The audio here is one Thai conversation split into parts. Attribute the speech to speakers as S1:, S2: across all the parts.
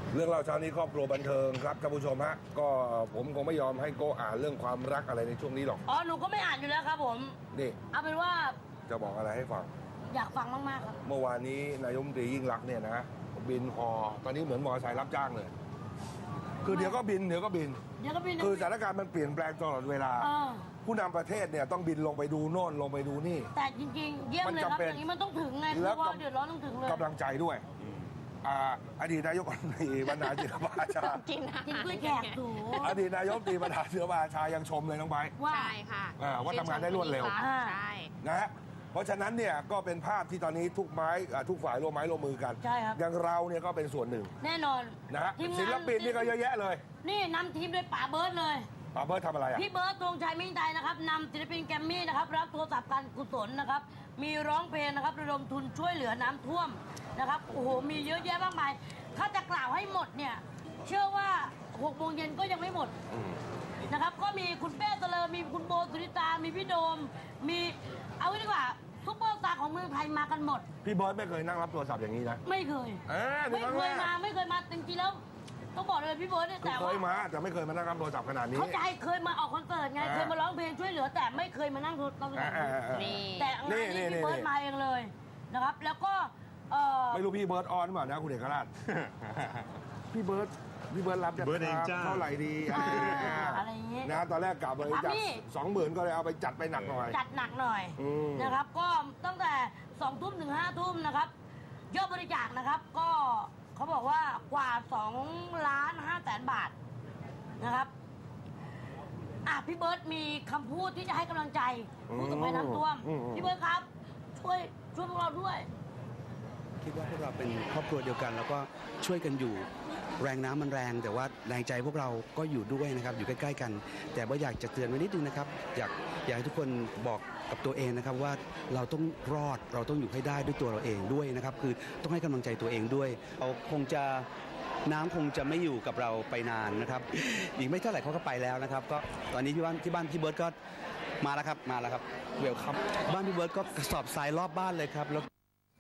S1: เรื่องเล่าเช้านี้ครอบครัวบันเทิงครับท่านผู้ชมฮะก็ผมคงไม่ยอมให้โกอ่านเรื่องความรักอะไรในช่วงนี้หรอก
S2: อ๋อหนูก็ไม่อ่านอยู่แล้วครับผม
S1: นี่
S2: เอาเป็นว่า
S1: จะบอกอะไรให้ฟัง
S2: อยากฟังมากๆครับ
S1: เมื่อวานนี้นายกรัฐมนตรียิ่งลักษณ์เนี่ยนะบินฮอตอนนี้เหมือนมอเตอร์ไซค์รับจ้างเลยคือเดี๋ยวก็บินคือสถานการณ์มันเปลี่ยนแปลงตลอดเวลาผู้นำประเทศเนี่ยต้องบินลงไปดูโน่นลงไปดูนี่
S2: แต่จริงๆเยี่ยมเลยครับอย่างนี้มันต้องถึงไงเพราะว่าเดือดร้อนต้องถึงเลย
S1: กำลังใจด้วยอดีตนายกรัฐมนตรีบรรณาศิลปาชา
S2: กินกล้วยแขกถู
S1: อดีตนายกรัฐมนตรีบรรณาศิลปาชายังชมเลยน้องไบร์ท
S2: ว่า
S3: ใช่ค่ะ
S1: ว่าทำงานได้รวดเร็ว
S3: ใช่
S1: นะฮะเพราะฉะนั้นเนี่ยก็เป็นภาพที่ตอนนี้ทุกฝ่ายร่วมไม้ร่วมมือกัน
S2: ใช่ครับ
S1: อย่างเราเนี่ยก็เป็นส่วนหนึ่ง
S2: แน่นอน
S1: นะฮะศิลปินนี่ก็เยอะแยะเลย
S2: นี่นำทีมโดยป๋าเบิร์ดเลย
S1: ป๋าเบิร์ดทำอะไรอ่ะ
S2: พี่เบิร์ดธงชัยมิ่งใจนะครับนำศิลปินแกรมมี่นะครับรับโทรศัพท์การกุศลนะครับมีร้องเพลงนะครับระดมทุนช่วยเหลือน้ำท่วมนะครับโอ้โหมีเยอะแยะมากมายถ้าจะกล่าวให้หมดเนี่ยเชื่อว่า6 โมงเย็นก็ยังไม่หมดนะครับก็มีคุณเป้เตลินมีคุณโบสุนิตามีพี่โดมมีเอาไว้ดีกว่าซุปเปอร์สตาร์ของเมืองไทยมากันหมด
S1: พี่เบิร์ดไม่เคยนั่งรับโทรศัพท์อย่างนี้นะ
S2: ไม่เคยไม่เคยมาจริงๆแล้วต้องบอกเลยพี่เบิร์ดเนี่ยแต่ว่า
S1: เคยมาแต่ไม่เคยมานั่งรับโทรศัพท์ขนาดนี้
S2: เขาใจเคยมาออกคอนเสิร์ตไงเคยมาร้องเพลงช่วยเหลือแต่ไม่เคยมานั่งโทรศัพท์แต่งานนี้พี่เบิร์ดมาเองเลยนะครับแล้วก็
S1: ไม่รู้พี่เบิร์ดออนหรือเปล่านะคุณเอกราชพี่เบิร์ดรับจะเท่าไหร่ดี
S2: อะไรอย่างเงี้ย
S1: นะตอนแรกกลับบริจาค20,000ก็เลยเอาไปจัดไปหนักหน่อย
S2: นะครับก็ตั้งแต่2 ทุ่มถึง5 ทุ่มนะครับยอดบริจาคนะครับก็เขาบอกว่ากว่า2,500,000 บาทนะครับพี่เบิร์ดมีคำพูดที่จะให้กำลังใจผู้ประสบภัยน้ำท่วมพี่เบิร์ดครับช่วยพวกเราด้วย
S4: คิดว่าพวกเราเป็นครอบครัวเดียวกันแล้วก็ช่วยกันอยู่แรงน้ำมันแรงแต่ว่าแรงใจพวกเราก็อยู่ด้วยนะครับอยู่ใกล้ๆกันแต่ว่าอยากจะเตือนไว้นิดนึงนะครับอยากให้ทุกคนบอกกับตัวเองนะครับว่าเราต้องรอดเราต้องอยู่ให้ได้ด้วยตัวเราเองด้วยนะครับคือต้องให้กำลังใจตัวเองด้วยเราน้ำคงจะไม่อยู่กับเราไปนานนะครับอีกไม่เท่าไหร่เขาก็ไปแล้วนะครับก็ตอนนี้ที่บ้านพี่เบิร์ดก็มาแล้วครับเวลคัมบ้านพี่เบิร์ดก็กระสอบทรายรอบบ้านเลยครับแล้ว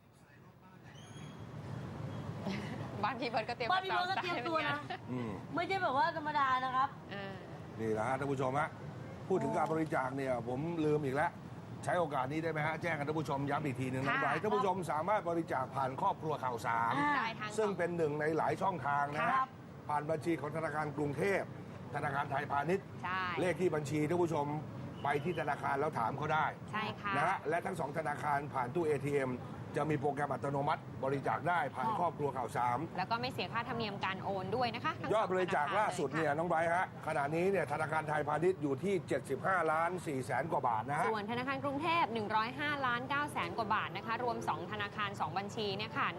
S3: บ้านพี่เบิร์ดก็เตรียม
S2: ตัวนะไม่ใช่แบบว่าธรรมดานะครับ
S1: นี่แหละฮะท่านผู้ชมฮะพูดถึงการบริจาคเนี่ยผมลืมอีกแล้วใช้โอกาสนี้ได้ไหมฮะแจ้งกับท่านผู้ชมย้ำอีกทีหนึ่งนะท่านผู้ชมสามารถบริจาคผ่านครอบครัวข่าวสารซึ่งเป็นหนึ่งในหลายช่องทางนะฮะผ่านบัญชีของธนาคารกรุงเทพธนาคารไทยพาณิชย์เลขที่บัญชีท่านผู้ชมไปที่ธนาคารแล้วถามเขาได้
S3: ใช่ค่ะ
S1: นะฮะและทั้ง2ธนาคารผ่านตู้ ATMจะมีโปรแกรมอัตโนมัติบริจาคได้ผ่านครอบครัวข่าวสาม
S3: แล้วก็ไม่เสียค่าธรรมเนียมการโอนด้วยนะคะ
S1: ยอดบริจาคล่าสุดเนี่ยน้องไบร์ทฮะขณะนี้เนี่ยธนาคารไทยพาณิชย์อยู่ที่75,400,000 กว่าบาทนะฮะ
S3: ส่วนธนาคารกรุงเทพ105,900,000 กว่าบาทนะคะรวม2ธนาคาร2บัญชีเนี่ยค่ะ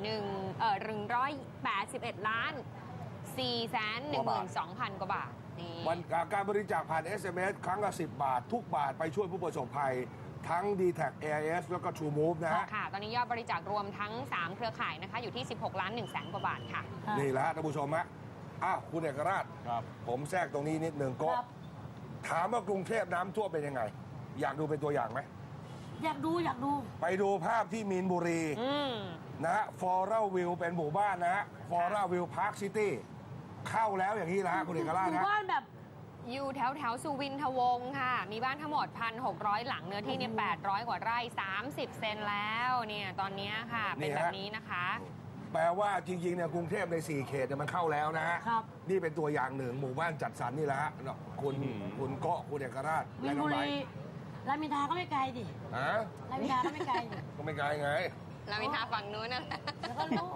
S3: 181,412,000 กว่าบาท
S1: วันการบริจาคผ่าน SMS ครั้งละ10 บาททุกบาทไปช่วยผู้ประสบภัยทั้ง D-Tag AIS แล้วก็ True Move นะฮะ
S3: ค่ะตอนนี้ยอดบริจาครวมทั้ง3เครือข่ายนะคะอยู่ที่16,100,000 กว่าบาทค่ะ
S1: นี่แหละท่านผู้ชมฮะคุณเอกราชผมแทรกตรงนี้นิดนึงก็ถามว่ากรุงเทพน้ำท่วมเป็นยังไงอยากดูเป็นตัวอย่างไหม
S2: อยากดู
S1: ไปดูภาพที่มีนบุรีนะฮะฟอร์เรลวิวเป็นหมู่บ้านนะฮะฟอร์เรลวิวพาร์คซิตี้เข้าแล้วอย่างนี้แหละคุณเอกราชนะ
S2: หมู่บ้านแบบ
S3: อยู่แถวสุวินทวงศ์ค่ะมีบ้านทั้งหมด 1,600 หลังเนื้อที่เนี่ย800 กว่าไร่30 เซนแล้วเนี่ยตอนนี้ค่ะเป็นแบบนี้นะคะ
S1: แปลว่าจริงๆเนี่ยกรุงเทพใน4เขตเนี่ยมันเข้าแล้วนะฮะนี่เป็นตัวอย่างหนึ่งหมู่บ้านจัดสรรนี่แหละฮะคุณเกาะคุณเอกราช
S2: วินบุรีรามอินทราก็ไม่ไกลดิรามอินทราก็ไม่ไกล
S1: ก็ไม่ไกลไง
S3: รามอินทราฝั่งนู้นนะ
S2: แล้วก็รู้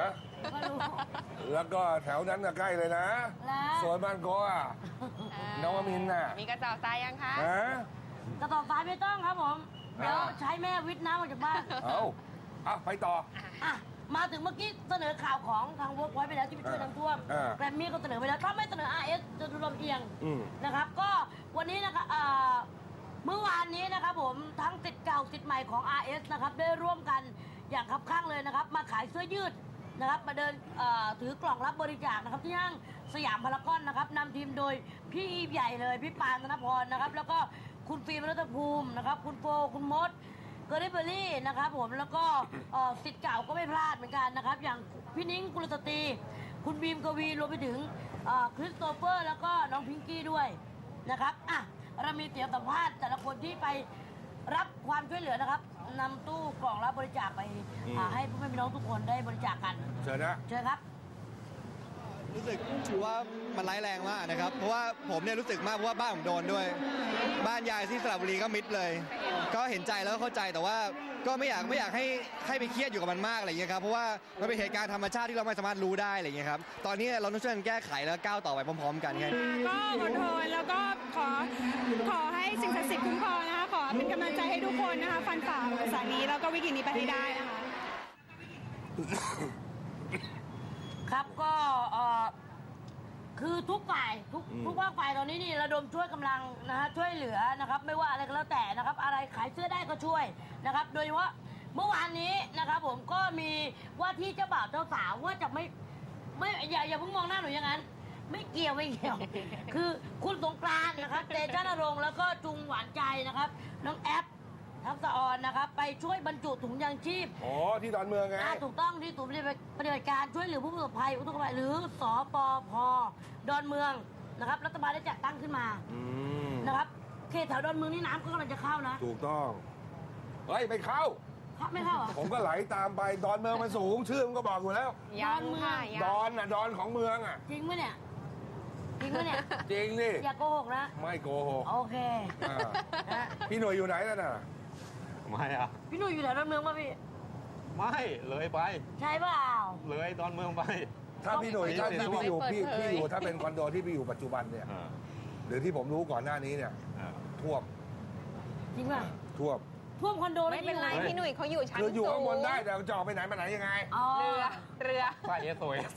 S1: แล้วก็แถวนั้นใกล้เลยนะสวนบ้านโกะนวมินทร์น่ะ
S3: มีกระสอบทรายยังคะ
S2: กระสอบทรายไม่ต้องครับผมเดี๋ยวใช้แม่วิทย์น้ำออกจากบ้าน
S1: ไปต่อ
S2: มาถึงเมื่อกี้เสนอข่าวของทางเวิร์กไว้ไปแล้วที่ไปช่วยน้ำท่วมแกรมมี่ก็เสนอไปแล้วถ้าไม่เสนอ RS จะดูลำเอียงนะครับก็วันนี้นะครับเมื่อวานนี้นะครับผมทั้งสิทธิ์เก่าสิทธิ์ใหม่ของ RS นะครับได้ร่วมกันอย่างคับข้างเลยนะครับมาขายเสื้อยืดนะครับมาเดินถือกล่องรับบริจาคนะครับที่ห้างสยามพารากอนนะครับนำทีมโดยพี่อีใหญ่เลยพี่ปานธนพรนะครับแล้วก็คุณฟิล์มรัตภูมินะครับคุณโฟคุณมดเกอร์ดิเบอรี่นะครับผมแล้วก็สิทธิ์เก่าก็ไม่พลาดเหมือนกันนะครับอย่างพี่นิ้งกุลสตรีคุณบีมกวีรวมไปถึงคริสโตเฟอร์แล้วก็น้องพิงกี้ด้วยนะครับอ่ะเรามีเสียงสัมภาษณ์แต่ละคนที่ไปรับความช่วยเหลือนะครับนำตู้กล่องรับบริจาคไปให้พ่อแม่พี่น้องทุกคนได้บริจาคกัน
S1: เชิญนะ
S2: เชิญครับ
S5: รู้สึกถือว่ามันร้ายแรงมากนะครับ เพราะว่าผมเนี่ยรู้สึกมากเพราะว่าบ้านผมโดนด้วย บ้านยายที่สระบุรีก็มิดเลย ก็เห็นใจแล้วก็เข้าใจแต่ว่าก็ไม่อยากให้ไปเครียดอยู่กับมันมากอะไรอย่างเงี้ยครับเพราะว่ามันเป็นเหตุการณ์ธรรมชาติที่เราไม่สามารถรู้ได้อะไรอย่างเงี้ยครับตอนนี้เราต้องช่วยกันแก้ไขแล้วก้าวต่อไปพร้อมๆกันแค่นี้
S6: ก็อดทนแล้วก็ขอให้สิ่งศักดิ์สิทธิ์คุ้มครองนะคะขอเป็นกำลังใจให้ทุกคนนะคะฟันฝ่าอุปสรรคนี้แล้วก็วิกฤตนี้ไปให้ได้นะคะ
S2: ครับก็คือทุกฝ่ายทุกภาคฝ่ายตอนนี้นี่ระดมช่วยกำลังนะฮะช่วยเหลือนะครับไม่ว่าอะไรก็แล้วแต่นะครับอะไรขายเสื้อได้ก็ช่วยนะครับโดยเฉพาะเมื่อวานนี้นะครับผมก็มีว่าที่เจ้าบ่าวเจ้าสาวว่าจะไม่อย่าเพิ่งมองหน้าหนูอย่างนั้นไม่เกี่ยว คือคุณสงกรานต์นะครับเตชะนรงค์แล้วก็จุงหวานใจนะครับน้องแอปทักษะออนนะครับไปช่วยบรรจุถุงยางชีพ
S1: อ๋อที่ดอนเมืองไง
S2: ถูกต้องที่ศูนย์ปฏิบัติการช่วยเหลือผู้ประสบภัยอุทกภัยหรือสปพ.ดอนเมืองนะครับรัฐบาลได้จัดตั้งขึ้นมานะครับเขตแถวดอนเมืองนี่น้ำก็กำลังจะเข้านะ
S1: ถูกต้องเฮ้ยไม่เข้า
S2: ไม่เข้าเหรอ
S1: ผมก็ไหลตามไปดอนเมืองมันสูงชื่อมันก็บอกอยู่แล้ว
S3: ยังค่ะยัง
S1: ดอนน่ะดอนของเมืองอ่ะ
S2: จริงไหมเนี่ยจริงไหมเนี่ย
S1: จริงนี่
S2: อย่าโกหกนะ
S1: ไม่โกหก
S2: โอเค
S1: อ่า
S2: นะ
S1: พี่หน่วยอยู่ไหนนั่นน่ะ
S7: ไม่อะ
S2: พี่หนุ่ยอยู่แถวดอนเมืองป่ะพี่
S7: ไม่เลยไป
S2: ใช่เปล่า
S7: เลยดอนเมืองไป
S1: ถ้าพี่หน่วยถ้าที่พี่อยู่พี่อยู่ถ้าเป็นคอนโดที่พี่อยู่ปัจจุบันเนี่ย
S7: อ่า
S1: หรือที่ผมรู้ก่อนหน้านี้เนี่ย
S7: อ่า
S1: ท่วม
S2: จริงป่ะ
S1: ท่วม
S2: ท่วมคอนโด
S3: ไม่เป็นไร
S2: แล้ว
S3: พี่หนุ่ยเขาอยู่ชั้น
S1: คืออยู่
S3: สู
S1: ข้าง
S3: ง
S1: บนได้แต่จะออกไปไหนมาไหนยังไง
S2: อ๋อ
S3: เรือ
S7: ป้ายSOS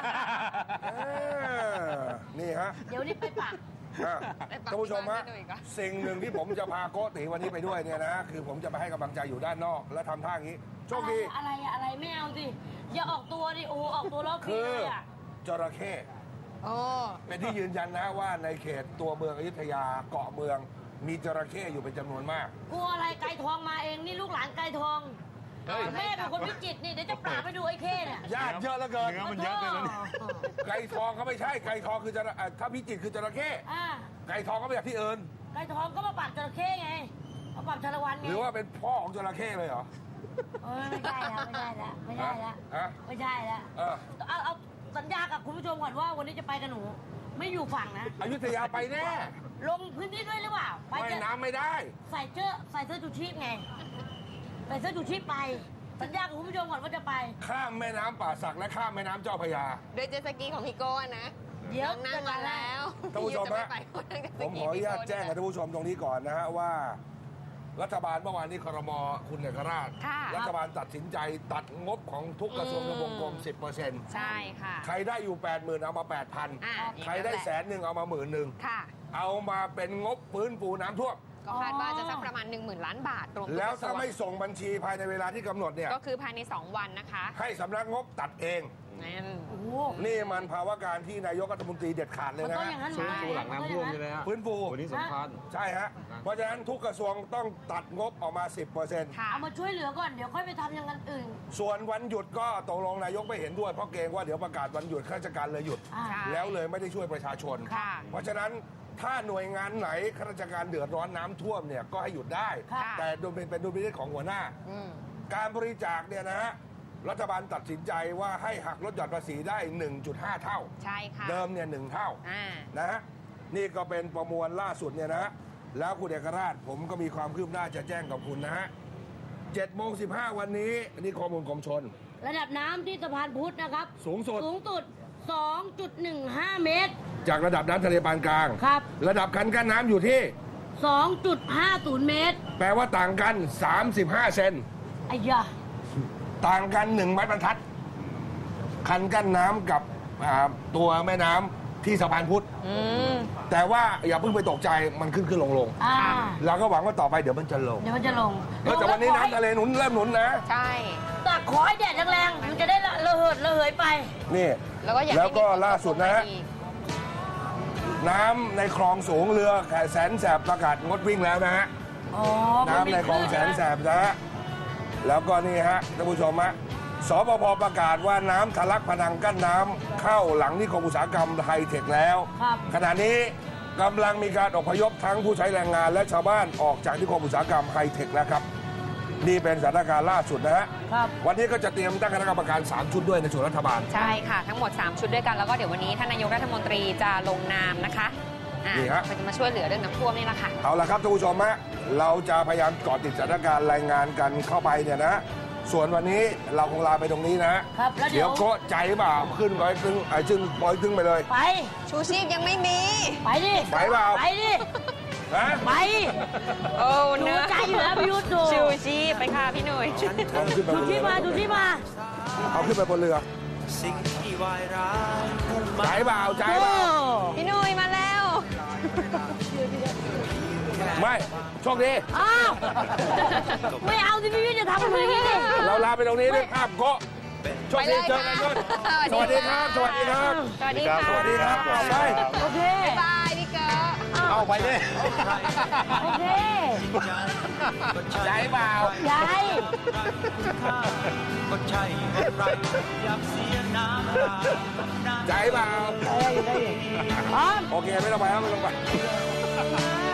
S1: นี่ฮะ
S2: เดี๋ยวนี้ไปปัก
S1: อ่ะ
S3: ไปปัก
S1: ท่านผู้ชมฮะ
S3: ที่บ้านพี่หนุ่ยก่อน
S1: สิ่งหนึ่งที่ผมจะพาโกติวันนี้ไปด้วยเนี่ยนะคือผมจะไปให้กำลังใจอยู่ด้านนอก และทำท่าอย่างนี้โชคดี
S2: อะไรไม่เอาสิอย่าออกตัวดิโอ้ออกตัวแล้ว
S1: คื
S2: พี่
S1: อ
S2: เลยอ่ะ
S1: จระเข้
S3: โอ้
S1: เป็นที่ยืนยันนะว่าในเขตตัวเมืองอยุธยาเกาะเมือง มีจระเข้อยู่เป็นจำนวนมาก
S2: กลัวอะไรไก่ทองมาเองนี่ลูกหลานไก่ทอง
S7: เฮ้ย
S2: แม่เป็นคนพิจิตรนี่เดี๋ยวจะปราบไปดูไอ้เข้เนี่ย
S1: ญาติเยอะเหลือเกิน
S7: เนื้อมันเยอะเกินแล้วนี่
S1: ไก่ทองเขาไม่ใช่ไก่ทองคือถ้าพิจิตรคือจระเข้
S2: อ่า
S1: ไก่ทองก็มาจากที่อื่น
S2: ไก่ทองก็มาปราบจระเข้ไงมาปราบชาละวันไง
S1: หรือว่าเป็นพ่อของจระเข้เลยเหรอ
S2: ไม่ใช่ละไม่ใช่ละ
S1: ฮะ
S2: ไม่ใช่ละ
S1: เออ
S2: เอาสัญญากับคุณผู้ชมก่อนว่าวันนี้จะไปกับหนู ไม่อยู่ฝั่งนะ
S1: อยุธยาไปแน่
S2: ลงพื้นที่ด้วยหรือเปล่าไป
S1: ว่าย
S2: จะ
S1: น้ำไม่ได้
S2: ใส่เสื้อชูชีพไงใส่เสื้อชูชีพไปสัญญากับคุณผู้ชมก่อนว่าจะไป
S1: ข้ามแม่น้ำป่าสักและข้ามแม่น้ำเจ้าพระยา
S3: โดยเจตสกีของพี่โก้นะ
S2: เดี๋ยว
S3: น้องนั่งมาแล้ว
S1: ท่านผู้ชม
S3: พี่
S1: ฮะ
S3: จะไไปนั่งเจ็ตส
S1: ผมขออนุญาตแจ้งกับท่านผู้ชมตรงนี้ก่อนนะฮะว่า รัฐบาลเมื่อวานนี้ครมคุณเอกราช
S3: ค่ะ
S1: รัฐบาลตัดสินใจตัดงบของทุกกระทรวงทบวงกรม 10%
S3: ใช่ค่ะ
S1: ใครได้อยู่ 80,000 เอามา 8,000
S3: อ่า
S1: ใครได้100,000เอามา10,000
S3: ค่ะ
S1: เอามาเป็นงบฟื้นฟูน้ำท่วม
S3: ก็คาดว่าจะสักประมาณ 10,000 ล้านบาทรวมทุก
S1: แล้ว
S3: กระทร
S1: ถ้าว ไม่ส่งบัญชีภายในเวลาที่กำหนดเนี่ย
S3: ก็คือภายใน 2 วันนะคะ
S1: ให้สำนักงบตัดเอง
S3: นั่น
S2: โอ้โห
S1: นี่มันภาวะการที่นายกรัฐมนตรีเด็ดขาดเลย
S2: มัน
S1: นะ
S2: ต้อง
S1: ฮะ
S2: อย่างนั้น
S7: ฟื้นฟูหลังน้ำท่วมใช่ไหมฮะ
S1: ฟื้นฟู
S7: วันนี้สำคัญ
S1: ใช่ฮะ เพราะฉะนั้นทุกกระทรวงต้องตัดงบออกมา 10%
S3: ค่ะ
S2: เอามาช่วยเหลือก่อนเดี๋ยวค่อยไปทำอย่างนั้นอื่น
S1: ส่วนวันหยุดก็ตกลงนายกไม่เห็นด้วยเพราะเกรงว่าเดี๋ยวประกาศวันหยุดข้าราชการเลยหยุด
S2: อ่า
S3: ใช่
S1: แล้วเลยไม่ได้ช่วยประชาชน
S3: ค่ะ
S1: เพราะฉะนั้นถ้าหน่วยงานไหนข้าราชการเดือดร้อนน้ำท่วมเนี่ยก็ให้หยุดได้
S2: ค่ะ
S1: แต่โดยเป็นดุลพินิจของหัวหน้า
S3: อืม
S1: การบริจาคเนี่ยนะฮะรัฐบาลตัดสินใจว่าให้หักลดหย่อนภาษีได้ 1.5 เท่า
S3: ใช่ค่ะ
S1: เดิมเนี่ย1เท่า
S3: อ่า
S1: นะฮะนี่ก็เป็นประมวลล่าสุดเนี่ยนะฮะแล้วคุณเอกราชผมก็มีความคืบหน้าจะแจ้งกับคุณนะฮะ7:15 วันนี้นี่ข้อมูลกรมชน
S2: ระดับน้ำที่สะพานพุทธนะครับ
S1: สูงสุด
S2: 2.15 เมตร
S1: จากระดับน้ำทะเลปานกลาง
S2: ครับ
S1: ระดับคันกั้นน้ำอยู่ที่
S2: 2.50 เมตร
S1: แปลว่าต่างกัน 35 เซน
S2: ไอ้ยา
S1: ต่างกัน1ไม้บรรทัด คันกั้นน้ำกับตัวแม่น้ำที่สะพานพุทธ
S3: อืม
S1: แต่ว่าอย่าเพิ่งไปตกใจมันขึ้นลง
S2: อ่า
S1: เราก็หวังว่าต่อไปเดี๋ยวมันจะลง
S2: เดี๋ยวมันจะลง
S1: แต่วันนี้น้ำทะเลเริ่มหนุนนะ
S3: ใช่
S2: แต่ขอให้แดดแรงๆมันจะได้ระเหิดระเหยไป
S1: นี่
S3: แล้วก็อยาก
S1: แล้วก็
S3: ให้มีฝนต
S1: ล่าสุดนะฮะ
S3: อีก
S1: น้ำในคลองสูงเรือแสนแสบประกาศงดวิ่งแล้วนะฮะ
S2: อ๋อ
S1: น้ำในคลองแสนแสบนะฮะ แล้วก็นี่ฮะท่านผู้ชมฮะสปภประกาศว่าน้ำทะลักพนังกั้นน้ำเข้าหลังนิคมอุตสาหกรรมไฮเทคแล้ว
S2: ครับ
S1: ขณะนี้กำลังมีการอพยพทั้งผู้ใช้แรงงานและชาวบ้านออกจากนิคมอุตสาหกรรมไฮเทคแล้วครับนี่เป็นสถานการณ์ล่าสุดนะฮะ
S2: ครับ
S1: วันนี้ก็จะเตรียมตั้งคณะกรรมการ3ชุดด้วยในส่วนรัฐบาล
S3: ใช่ค่ะ ทั้งหมด 3 ชุดด้วยกัน แล้วก็เดี๋ยววันนี้ท่านนายกรัฐมนตรีจะลงนามนะคะ
S1: นี่ฮะ
S3: จะมาช่วยเหลือเรื่องน้ำท่วมนี่แหละค่ะ
S1: เอาละครับท่านผู้ชมฮะเราจะพยายามเกาะติดสถานการณ์รายงานกันเข้าไปเนี่ยนะ ส่วนวันนี้เราคงลาไปตรงนี้นะครับ
S2: แล้วเดี๋
S1: เดี๋
S2: ย
S1: ยว วโก็ใจเปล่าขึ้นร้อยครึ่งขึ้นร้อยครึ่งไปเลย
S2: ไป
S3: ชูชีพยังไม่มี
S2: ไปดิ
S1: ไปเปล่า
S2: ไปดิ
S1: ฮะ
S2: ไป
S3: โอ้
S2: ดู
S3: เนื้อ
S2: ใจอยู่แล้วพี่ยุทธดู
S3: ชูชีพไปค่ะพี่หนุ่ย
S1: เอาขึ้นไปบ
S2: ดู
S1: นเรื
S2: ที่
S1: อ
S2: มาดูที่มา
S1: เอาขึ้นไปบนเรือใจเปล่าใจเปล่า
S3: พี่หนุ่ยมาแล้ว
S1: ไม่โชคดี
S2: อ้าวไม่เอาสิพี่ยุทธจะทำอะไรอย่างนี้ดิ
S1: เราลาไปตรงนี้ด้วยภาพโกะโชคดีเจอกันด้วยสวัสดีครับ สวัสดีครับ
S3: สวัสดีค่ะ
S1: สวัสดีครับเอาไป
S2: โอเค
S3: บายพี่เก๋
S1: เอาไปดิ
S2: โอเค
S1: ใจเปล่า
S2: ยาย
S1: ใจเปล่า
S2: ได้อยู่พร้อม
S1: โอเคไม่ต้องไปครับไม่ต้องไป
S2: ไ